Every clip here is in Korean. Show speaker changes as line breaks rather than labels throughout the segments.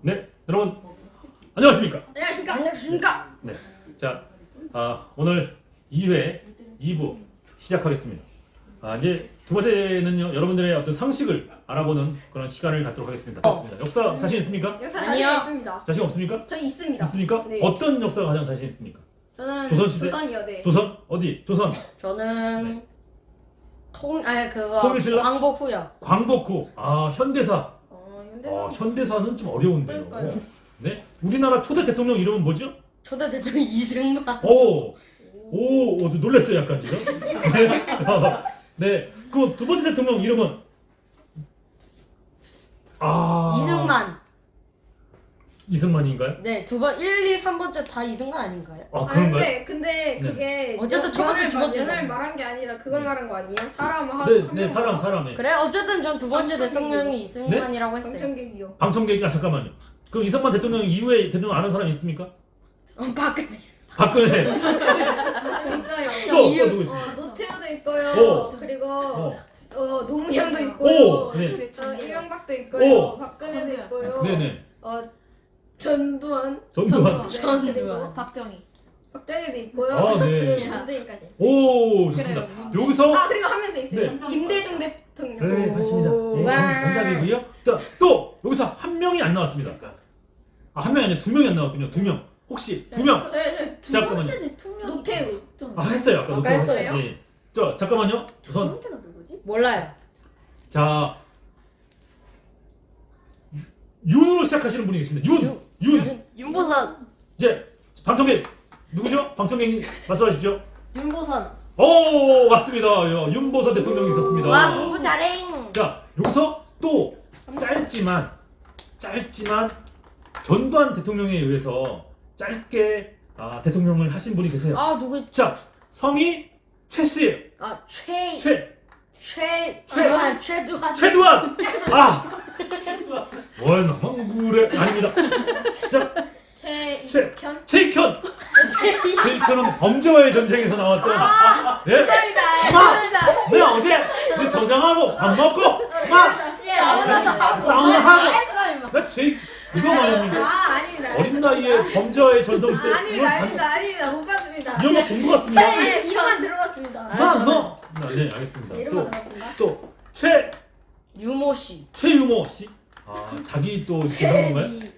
네, 여러분 안녕하십니까?
안녕하십니까? 안녕하십니까?
네, 자, 오늘 2회 2부 시작하겠습니다. 이제 두 번째는요, 여러분들의 어떤 상식을 알아보는 그런 시간을 갖도록 하겠습니다. 좋습니다. 역사 자신 있습니까?
역사
아니요.
자신 있습니다.
자신 없습니까?
저 있습니다.
있습니까?
네.
어떤 역사가 가장 자신 있습니까?
저는
조선시대?
조선이요, 네.
조선? 어디? 조선?
저는
네.
그거
통일신라?
광복 후요.
광복 후. 현대사.
근데
현대사는 좀 어려운데요.
그러니까요.
네, 우리나라 초대 대통령 이름은 뭐죠?
초대 대통령 이승만.
오, 놀랐어요, 약간 지금. 네, 네, 그 두 번째 대통령 이름은
이승만.
이승만인가요?
네, 두 번 1, 2, 3번째 다 이승만 아닌가요?
그런가요?
근데 그게
어쨌든 첫 번째, 두 번째잖아요.
연을 말한 게 아니라 그걸 말한 거 아니에요? 사람 한
네,
한
네,
명마다.
사람에.
그래, 어쨌든 전 두 번째
방청객이요.
대통령이 이승만이라고 했어요.
방청객이요.
방청객이 잠깐만요. 그럼 이승만 대통령 이후에 대통령 아는 사람 있습니까?
박근혜.
박근혜.
또 있어요.
또 누구 있어요?
노태우도 있고요.
오.
그리고 노무현도 있고요.
오, 네.
이명박도 있고요.
오.
박근혜도 있고요.
네네.
전두환.
전두환.
전두환.
그리고
박정희.
박정희도 있고요.
네.
그리고 문재인까지.
오, 좋습니다.
그래요,
여기서
그리고 한 명 더 있어요.
네.
김대중 대통령.
네, 맞습니다. 네,
와.
정답이고요. 또 여기서 한 명이 안 나왔습니다. 한 명이 아니라 두 명이 안 나왔군요. 두 명. 혹시 두 명?
두
잠깐만요.
번째 대통령.
노태우.
했어요. 아까
아까
노태우
했어요?
예. 잠깐만요.
두
우선
번째가 누구지?
몰라요.
자, 윤으로 시작하시는 분이 계십니다. 윤.
윤보선.
이제 방청객 누구죠? 방청객 말씀하십시오.
윤보선.
오, 맞습니다. 윤보선 대통령이 있었습니다.
와, 공부 잘해.
자, 여기서 또 짧지만 전두환 대통령에 의해서 짧게 대통령을 하신 분이 계세요.
누구?
자, 성이 최 씨예요.
최두환.
최두환. 뭘 너무 그래? 아닙니다. 자,
최익현.
최익현은 범죄와의 전쟁에서 나왔던. 예?
감사합니다.
내가 어제 저장하고 밥 먹고 막 사우나 하고 나 이거 말입니다.
아닙니다.
어린 나이에 범죄와의 전성시대
아닙니다. 못 봤습니다.
이런 거 본 것 같습니다.
네, 이름만 들어봤습니다.
네, 알겠습니다.
이름만 들어봤습니다.
또
유모 씨.
최유모 씨. 자기 또 이렇게 한 건가요?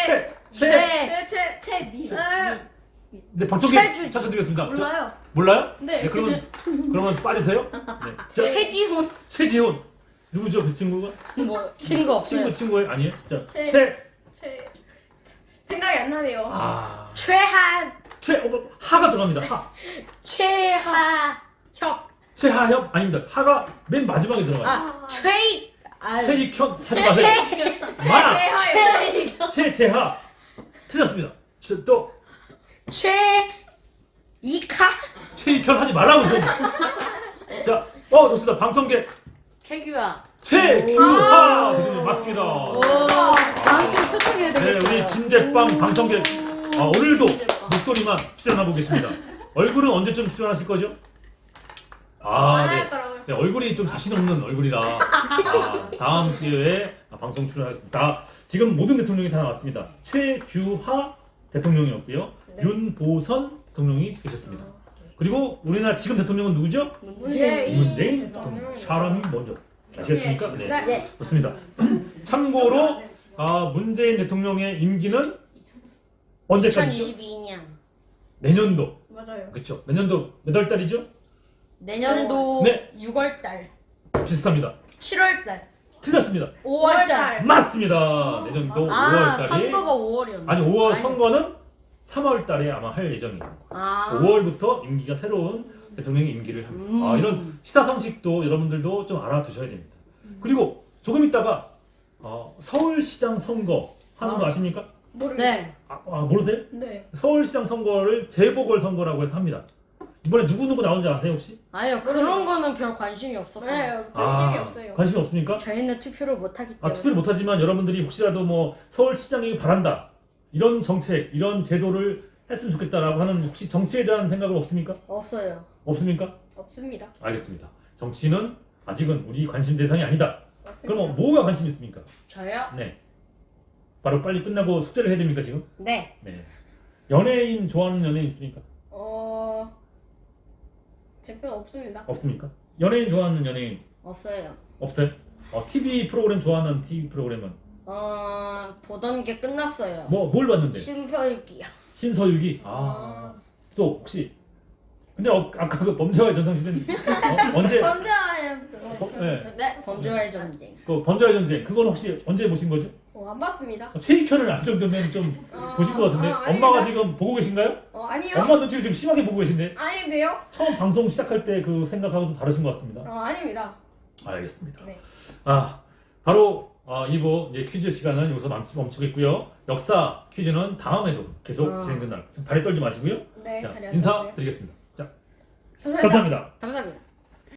최미.
네, 방청객 찾아드리겠습니다. 몰라요?
네.
그러면 빠지세요. 네. 자, 최지훈. 누구죠, 그 친구가?
뭐 친구 없어요.
친구예요? 아니에요? 자,
생각이 안 나네요.
하가 들어갑니다. 최하협 아닙니다. 하가 맨 마지막에 들어가요. 최익현 찾지 마세요. 최재하 틀렸습니다. 또 최익현 하지 말라고 좀. 자, 좋습니다. 방청객
최규하.
최규하 대통령 맞습니다.
다음 주에 초청해야
네, 우리 진제빵 방청객 오늘도 목소리만 출연하고 계십니다. 얼굴은 언제쯤 출연하실 거죠? 네, 얼굴이 좀 자신 없는 얼굴이라 다음 기회에 방송 출연하겠습니다. 지금 모든 대통령이 다 나왔습니다. 최규하 대통령이었고요. 윤보선 대통령이 계셨습니다. 그리고 우리나라 지금 대통령은 누구죠? 문재인 대통령. 사람이 먼저. 아시겠습니까? 네. 좋습니다. 참고로 문재인 대통령의 임기는 언제까지죠?
2022년.
내년도.
맞아요.
그렇죠. 내년도 몇 월 달이죠?
내년도
네.
6월달.
비슷합니다.
7월달.
틀렸습니다.
5월달.
맞습니다. 내년도 5월 달이
선거가 5월이었나?
아니 5월 선거는 3월 달에 아마 할 예정입니다. 5월부터 임기가 새로운 대통령의 임기를 합니다. 이런 시사 상식도 여러분들도 좀 알아두셔야 됩니다. 그리고 조금 있다가 서울시장 선거 하는 거 아십니까?
네.
모르세요?
네.
서울시장 선거를 재보궐 선거라고 해서 합니다. 이번에 누구 나오는지 아세요 혹시?
아니요, 그런 거는 별 관심이 없었어요.
네, 관심이 없어요.
관심이 없습니까?
저희는 투표를 못하기 때문에.
투표를 못하지만 여러분들이 혹시라도 뭐 서울시장이 바란다 이런 정책, 이런 제도를 했으면 좋겠다라고 하는 혹시 정치에 대한 생각은 없습니까?
없어요.
없습니까?
없습니다.
알겠습니다. 정치는 아직은 우리 관심 대상이 아니다.
맞습니다.
그럼 뭐가 관심 있습니까?
저요?
네. 바로 빨리 끝나고 숙제를 해야 됩니까 지금?
네.
네. 연예인 좋아하는 연예인 있습니까?
대표 없습니다.
없습니까? 연예인 좋아하는 연예인
없어요.
없어요? TV 프로그램 좋아하는 TV 프로그램은
보던 게 끝났어요.
뭘 봤는데?
신서유기요.
신서유기. 또 혹시 근데 아까 그 범죄와의 전성시대는 언제?
언제예요?
네.
네.
범죄와의 전쟁.
그 범죄와의 전쟁 그건 혹시 언제 보신 거죠?
안 봤습니다.
최익현을 안 정도면 좀 보실 것 같은데
아닙니다.
엄마가 지금 보고 계신가요?
아니요.
엄마 눈치를 지금 심하게 보고 계신데
아닌데요?
처음 방송 시작할 때 그 생각하고 좀 다르신 것 같습니다.
아닙니다.
알겠습니다.
네.
바로 2부 이제 퀴즈 시간은 여기서 멈추겠고요. 역사 퀴즈는 다음에도 계속 진행된다. 다리 떨지 마시고요.
네.
자,
다리 안
인사
떴어요.
드리겠습니다. 자,
감사합니다.
감사합니다.
감사합니다.